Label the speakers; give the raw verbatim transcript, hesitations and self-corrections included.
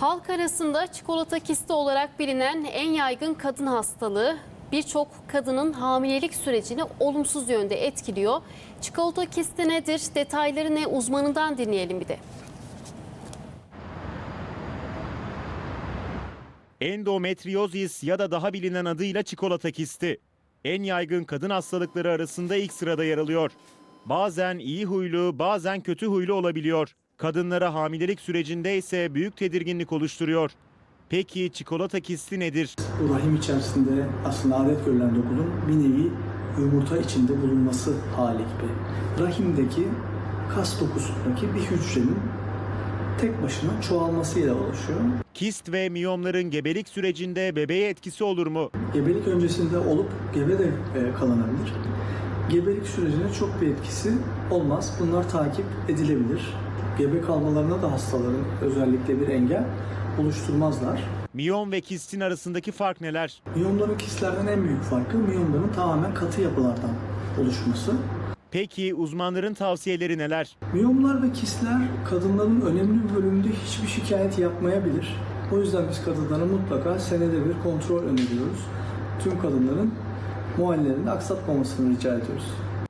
Speaker 1: Halk arasında çikolata kisti olarak bilinen en yaygın kadın hastalığı birçok kadının hamilelik sürecini olumsuz yönde etkiliyor. Çikolata kisti nedir? Detayları ne? Uzmanından dinleyelim bir de.
Speaker 2: Endometriozis ya da daha bilinen adıyla çikolata kisti. En yaygın kadın hastalıkları arasında ilk sırada yer alıyor. Bazen iyi huylu, bazen kötü huylu olabiliyor. Kadınlara hamilelik sürecinde ise büyük tedirginlik oluşturuyor. Peki çikolata kisti nedir?
Speaker 3: Bu rahim içerisinde aslında adet görülen dokunun bir nevi yumurta içinde bulunması hali gibi. Rahimdeki kas dokusundaki bir hücrenin tek başına çoğalmasıyla oluşuyor.
Speaker 2: Kist ve miyomların gebelik sürecinde bebeğe etkisi olur mu?
Speaker 3: Gebelik öncesinde olup gebe de e, kalınabilir. Gebelik sürecine çok bir etkisi olmaz. Bunlar takip edilebilir. Gebe kalmalarına da hastaların özellikle bir engel oluşturmazlar.
Speaker 2: Miyom ve kistin arasındaki fark neler?
Speaker 3: Miyomların kistlerden en büyük farkı miyomların tamamen katı yapılardan oluşması.
Speaker 2: Peki uzmanların tavsiyeleri neler?
Speaker 3: Miyomlar ve kistler kadınların önemli bir bölümünde hiçbir şikayet yapmayabilir. O yüzden biz kadınlara mutlaka senede bir kontrol öneriyoruz. Tüm kadınların muayenelerini aksatmamasını rica ediyoruz.